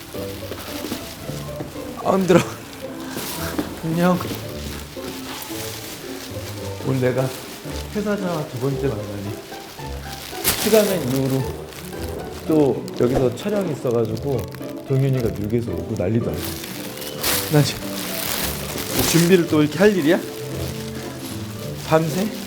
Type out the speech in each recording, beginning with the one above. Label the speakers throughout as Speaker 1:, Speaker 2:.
Speaker 1: 아 힘들어. 안녕. 오늘 내가 회사자와 두 번째 만나니 슈가맨 이후로 또 여기서 촬영이 있어가지고 동윤이가 뉴욕에서 오고 난리도 아니고 나 지금 준비를 또 이렇게 할 일이야? 밤새?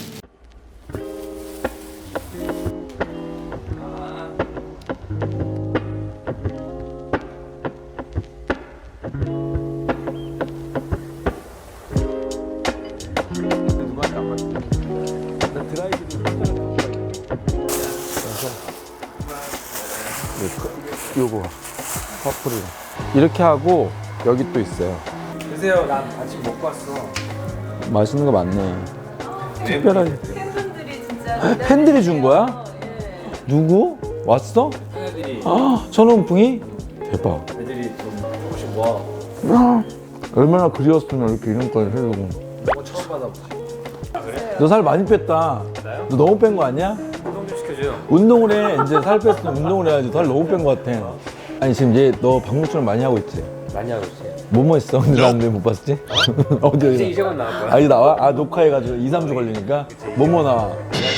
Speaker 1: 요거 퍼플이랑 이렇게 하고 여기 또 있어요.
Speaker 2: 드세요. 난 아침 먹고 왔어.
Speaker 1: 맛있는 거 많네. 특별하게
Speaker 3: 팬분들이 진짜
Speaker 1: 팬들이 준 거야?
Speaker 3: 예.
Speaker 1: 누구? 왔어?
Speaker 2: 애들이
Speaker 1: 아 천원풍이? 대박.
Speaker 2: 애들이 좀 조금씩 모아.
Speaker 1: 야, 얼마나 그리웠으면 이렇게 이런까지 해주고.
Speaker 2: 이거 처음 받아보지.
Speaker 1: 너 살 많이 뺐다.
Speaker 2: 나요?
Speaker 1: 너 너무 뺀 거 아니야?
Speaker 2: 운동 좀 시켜줘요.
Speaker 1: 운동을 해. 이제 살 뺐으면 운동을 해야지. 살 너무 뺀 거 같아. 아니 지금 얘 너 방문처럼 많이 하고 있지?
Speaker 2: 많이 하고 있어요.
Speaker 1: 뭐뭐 했어? 근데 나는 왜못 봤지? 어디
Speaker 2: 이제 곧 나올 거야.
Speaker 1: 아 이제 나와? 아 녹화해가지고 2, 3주 걸리니까 뭐뭐 나와?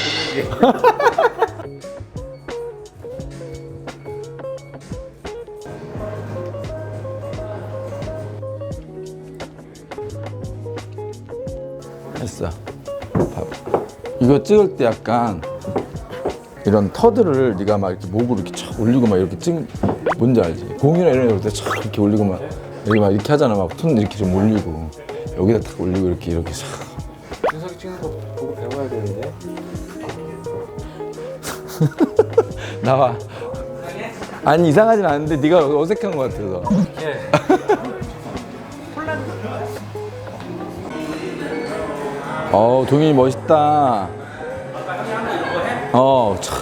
Speaker 1: 했어. 봐봐. 이거 찍을 때 약간 이런 터들을 네가 막 이렇게 목으로 이렇게 촥 올리고 막 이렇게 찍 뭔지 알지? 공이나 이런 데촥 이렇게 올리고 막 여기 막 이렇게 하잖아. 막 손 이렇게 좀 올리고 여기다 탁 올리고 이렇게 촥.
Speaker 2: 준석이 찍는 거 보고 배워야 되는데.
Speaker 1: 나와. 아니 이상하진 않은데 네가 어색한 것 같아서.
Speaker 2: 예.
Speaker 1: 동현이 멋있다. 참.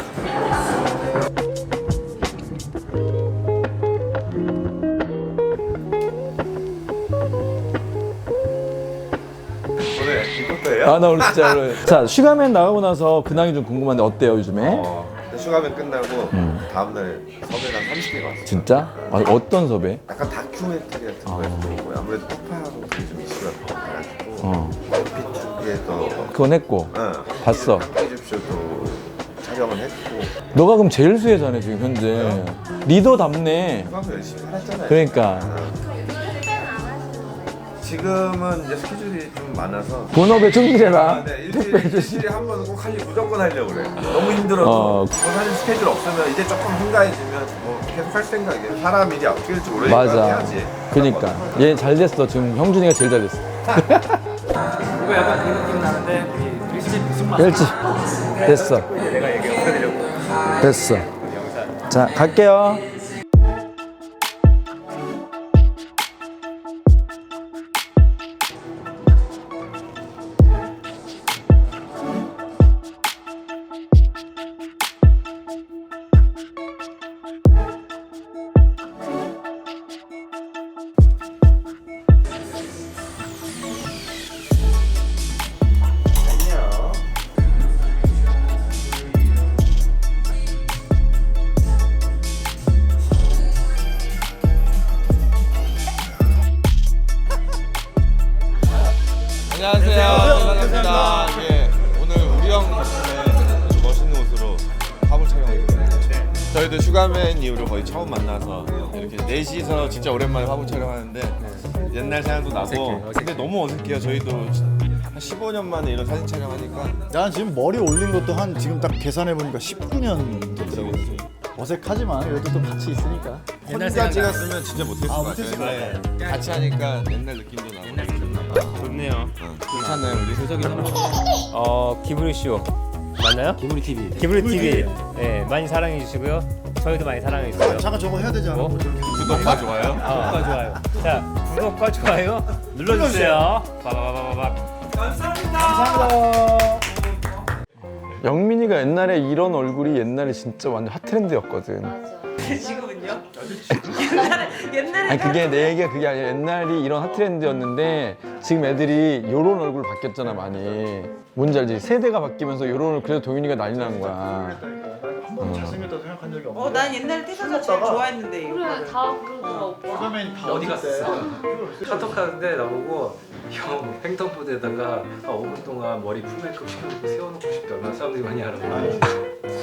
Speaker 4: 오늘 이럴 거예요?
Speaker 1: 나 오늘 진짜 자 슈가맨 나가고 나서 근황이 좀 궁금한데 어때요 요즘에?
Speaker 4: 슈가맨 끝나고 다음날 섭외가 30개가 왔어요.
Speaker 1: 진짜? 어떤 섭외?
Speaker 4: 약간 다큐멘터리 같은 거였고 아무래도 폭파하고 그게 좀 이슈가 많아가지고 피투에서
Speaker 1: 그건 했고 봤어.
Speaker 4: 퀴즈쇼도 촬영을 했고
Speaker 1: 너가 그럼 제일 수혜자네 지금 현재. 리더답네.
Speaker 4: 슈가맨 열심히 살았잖아요.
Speaker 1: 그러니까
Speaker 4: 지금은 이제 스케줄이 좀 많아서
Speaker 1: 본업에 충실해라.
Speaker 4: 네, 일주일에 한 번은 꼭 무조건 하려고 그래. 너무 힘들어도 사실 스케줄 없으면 이제 조금 한가해지면 뭐 계속 할 생각이에요. 사람 일이 어떻게 될지 모르니까
Speaker 1: 맞아.
Speaker 4: 해야지.
Speaker 1: 그러니까 얘 잘 됐어. 지금 형준이가 제일 잘 됐어.
Speaker 2: 이거 약간 그 느낌 나는데 우리 일집 무슨 맛?
Speaker 1: 일찍 됐어.
Speaker 2: 내가 얘기 없애드려고.
Speaker 1: 됐어. 자 갈게요.
Speaker 4: 안녕하세요. 반갑습니다. 예, 오늘 우리 형 덕분에 멋있는 옷으로 화보 촬영을 했는데 저희도 슈가맨 이후로 거의 처음 만나서 이렇게 넷이서 진짜 오랜만에 화보 촬영하는데 옛날 생각도 나고 근데 너무 어색해요. 저희도 한 15년 만에 이런 사진 촬영하니까
Speaker 5: 난 지금 머리 올린 것도 한 지금 딱 계산해 보니까 19년 됐더라고. 어색하지만 그래도 또 같이 있으니까.
Speaker 4: 혼자 찍었으면 진짜 못했을 것
Speaker 5: 못했을 것
Speaker 4: 같아요. 네. 같이 하니까 옛날 느낌도 나고
Speaker 2: 좋네요.
Speaker 4: 괜찮아요. 우리
Speaker 2: 준석이 기브리 쇼 맞나요? 기브리 TV. 기브리 TV. 네, 많이 사랑해 주시고요. 저희도 많이 사랑해 주세요.
Speaker 5: 잠깐 저거 해야 되지 않아?
Speaker 4: 구독과 좋아요.
Speaker 2: 구독과 좋아요. 자, 구독과 좋아요 눌러주세요. 빠바바바박.
Speaker 5: 감사합니다.
Speaker 1: 영민이가 옛날에 이런 얼굴이 옛날에 진짜 완전 핫트렌드였거든.
Speaker 3: 맞아. 지금은요? 옛날에
Speaker 1: 아니 그게 내 얘기가 그게 아니라 옛날이 이런 핫트렌드였는데 지금 애들이 요런 얼굴 바뀌었잖아 많이. 뭔지 알지? 세대가 바뀌면서 요런 얼굴 그래서 동윤이가 난리 난 거야.
Speaker 5: 한번 잘생겼다고 생각한 적이 없는데.
Speaker 3: 난 옛날에 태사가 제일 좋아했는데 이거.
Speaker 6: 그래 다 그러더라 오빠.
Speaker 5: 슈가맨 다
Speaker 7: 어디
Speaker 5: 갔을
Speaker 7: 갔어?
Speaker 5: 때.
Speaker 7: 카톡 하는데 나보고 형 횡단보도에다가 5분 동안 머리 풀메이크업 시켜놓고 세워놓고 싶다. 얼마나 사람들이 많이 알아보고.